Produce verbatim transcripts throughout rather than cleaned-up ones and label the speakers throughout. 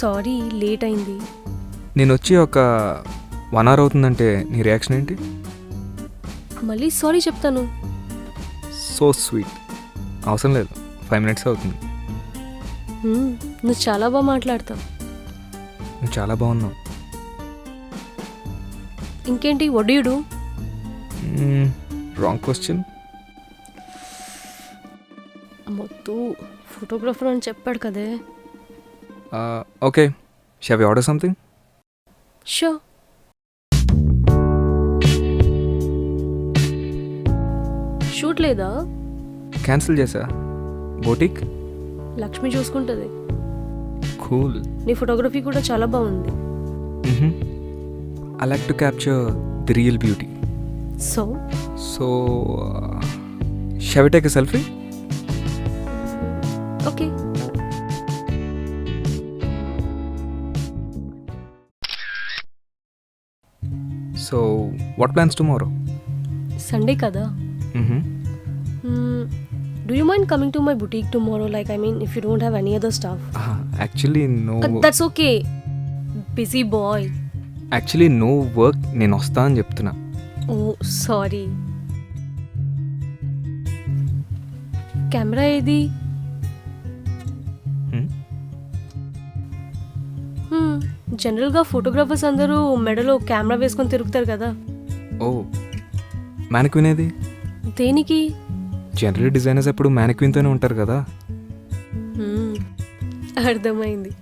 Speaker 1: Sorry late అయింది.
Speaker 2: నేను వచ్చి ఒక వన్ అవర్ అవుతుందంటే నీ రియాక్షన్ ఏంటి?
Speaker 1: మళ్ళీ సారీ చెప్తాను.
Speaker 2: So sweet. అవసరం లేదు, ఫైవ్ మినిట్స్ అవుతుంది.
Speaker 1: హ్మ్, నువ్వు చాలా బాగా మాట్లాడతావు.
Speaker 2: నువ్వు చాలా బాగున్నావు.
Speaker 1: ఇంకేంటి వడ్డీయుడు?
Speaker 2: Wrong question.
Speaker 1: మొత్తం ఫోటోగ్రాఫర్ అని చెప్పాడు కదే.
Speaker 2: Okay, shall we order something?
Speaker 1: Show. Shoot లేదా?
Speaker 2: క్యాన్సిల్ చేసా. బోటిక్
Speaker 1: లక్ష్మి చూసుకుంటుంది.
Speaker 2: కూల్.
Speaker 1: నీ ఫోటోగ్రఫీ కూడా చాలా బాగుంది.
Speaker 2: I like to capture the real beauty.
Speaker 1: So
Speaker 2: so shall we take a selfie?
Speaker 1: Okay.
Speaker 2: So what plans tomorrow?
Speaker 1: Sunday కదా. Do you mind coming to my boutique tomorrow? Like I mean if you don't have any other staff.
Speaker 2: Actually no.
Speaker 1: That's okay. Busy boy.
Speaker 2: Actually no work. నేను వస్తా అని చెప్తున్నా.
Speaker 1: ఓ sorry. Camera ఏది? జనరల్గా photographers అందరూ మెడలో camera వేసుకొని తిరుగుతారు కదా.
Speaker 2: ఓ, మ్యానిక్విన్ ఏది?
Speaker 1: దేనికి?
Speaker 2: జనరల్ డిజైనర్స్ ఎప్పుడు మ్యానిక్విన్తోనే ఉంటారు కదా.
Speaker 1: హ్మ్, అర్థమైంది.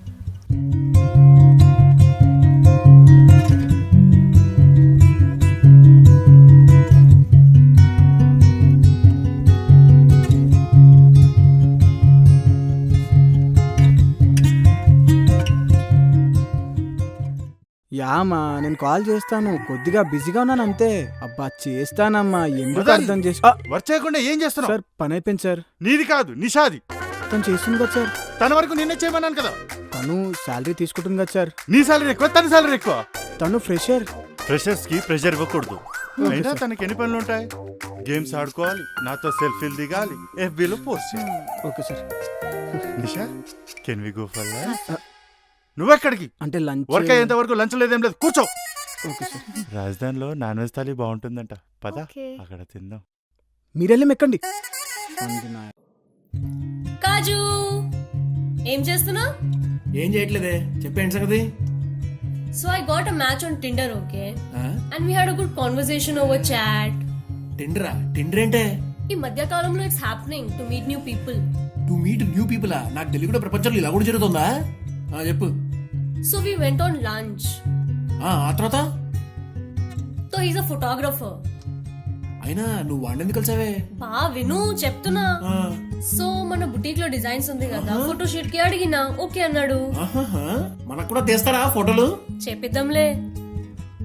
Speaker 3: యామా నేను కాల్ చేస్తాను, కొద్దిగా బిజీగా ఉన్నాను అంతే. అబ్బా చేస్తానమ్మా, ఎందుకు అర్థం చేసి
Speaker 4: వర్క్ చేయకుండా ఏం చేస్తున్నావు?
Speaker 3: సార్ పని అయిపోయింది సార్.
Speaker 4: నీది కాదు, నిషాది.
Speaker 3: తను చేస్తుంది కదా సార్.
Speaker 4: తన వరకు నిన్నే చేయమన్నాను కదా.
Speaker 3: తను శాలరీ తీసుకుంటుంది కదా సార్.
Speaker 4: నీ సాలరీ ఎక్కువ, తన సాలరీ ఎక్కువ.
Speaker 3: తను ఫ్రెషర్.
Speaker 4: ఫ్రెషర్స్ కి ప్రెషర్ ఇవ్వకూడదు. అయినా తనకి ఎన్ని పనులు ఉంటాయి? గేమ్స్ ఆడుకోవాలి, నాతో సెల్ఫీలు దిగాలి, ఎఫ్బీలో పోస్ట్ చేయాలి.
Speaker 3: Okay sir.
Speaker 4: Nisha, can we go for lunch? నువ్వెక్కడికి?
Speaker 3: అంటే లంచ్
Speaker 4: వర్క్ అయ్యేంత వరకు లంచ్ లేదేం లేదు, కూర్చో.
Speaker 3: Okay sir.
Speaker 4: రాజధానిలో నాన్ వెజ్ థాలీ బాగుంటుందంట, పద అక్కడ తిందాం.
Speaker 3: మీరెళ్ళి ఎక్కండి.
Speaker 1: కాజు ఏం చేస్తున్నా?
Speaker 5: ఏం చేయట్లేదే, చెప్పేంటి సంగతి?
Speaker 1: So I got a match on Tinder, okay, and we had a good conversation over chat.
Speaker 5: టిండరా? టిండర్ ఏంటే?
Speaker 1: ఈ మధ్య కాలంలో it's happening to meet new people.
Speaker 5: To meet new people? నాకు తెలియదు కూడా ప్రపంచంలో ఇలా కూడా జరుగుతుందా? ఆ చెప్పు.
Speaker 1: So we went on lunch.
Speaker 5: ఆ తర్వాత?
Speaker 1: So he's a photographer.
Speaker 5: అయినా నువ్వు వాడిని ఎందుకు కలిసావే?
Speaker 1: బా విను చెప్తున్నా. సో మన బుటీక్ లో డిజైన్స్ ఉంది కదా, ఫోటో షూట్ కి అడిగినా ఓకే అన్నాడు.
Speaker 5: మనకు కూడా తీస్తారా ఫోటోలు?
Speaker 1: చేపిద్దాంలే.